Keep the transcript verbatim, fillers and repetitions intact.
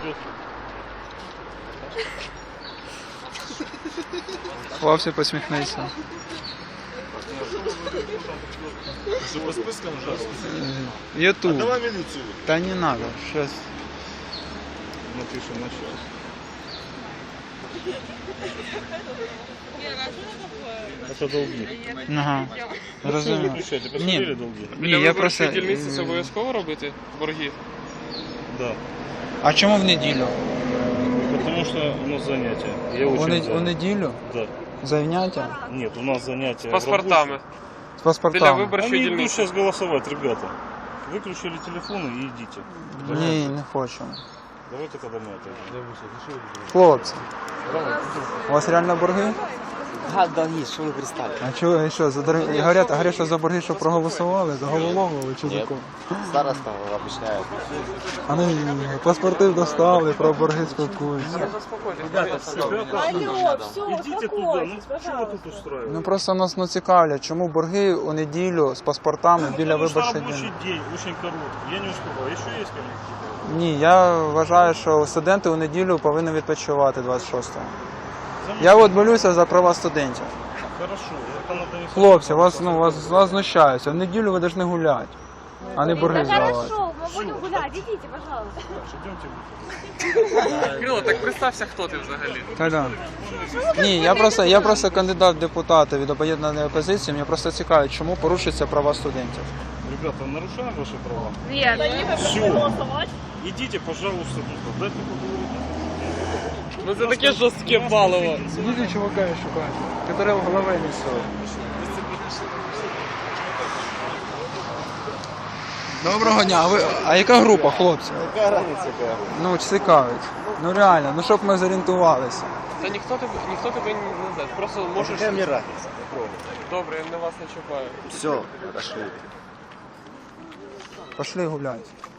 Хлопці, посміхнися. Что, по спискам ужасно? Ютуб. Давай милицию. Та не надо, щас. Напишем на час. Это долги. Ага. Розумію. Выключайте, Ні, посмотрели долги? ні, я просто... дільниці це обов'язково робити борги? Да. А чому в неділю? Потому что у нас занятия. Я У, очень не- у занят. неділю? Да. Заняття? Нет, у нас занятия. З паспортами. З Біля паспортами? виборчої Они идут дільниці. сейчас голосовать, ребята. Выключили телефоны и идите. Ні, не хочу. Давайте когда мы это... Хлопці, у вас реально борги? Ага, долги, что вы пристали? А чого, і що, за дороги... Говорять, говорять, що за борги, що проголосували, за головоломили чи за Нет. кого? Староста объясняет. А ну, паспорти достали, про борги спілкуються. Ребята, Алло, все, идите туда. Ну что вы тут устраиваете? Ну просто нас ну, цікавлять, чому борги у неділю з паспортами біля Потому что виборчої рабочий дільниці? день очень короткий. Я не успеваю. Еще есть ко мне? Ні, я вважаю, що студенти у неділю повинні відпочивати двадцять шостого. Я от болюся за права студентів. Хорошо. Это надо не... Хлопці, вас, ну, вас, вас знущаються. В неділю ви повинні гуляти, а не борги здавати. Хорошо, мы будем гулять, идите, пожалуйста. Идемте. Кирило, так представся, хто ти взагалі. Та да. Ні, я просто, я просто кандидат в депутати від об'єднаної опозиції. Мені просто цікаво, чому порушуються права студентів. Ребята, нарушаем ваши права? Нет. Все. Идите, пожалуйста, туда. Дайте поговорить. Ну це таке жорстке паливо. Діти чувака шукають, який в голові несуть. Доброго дня, а, ви, а яка група, хлопці? Какая разница какая? Ну, цікавить. Ну реально, ну щоб ми зорієнтувалися. Та ніхто тебе, ніхто тебе не знає. Просто можеш... Какая мне разница? Попробуй. Добре, я на вас не чіпаю. Все, пошли. Пошли гуляти.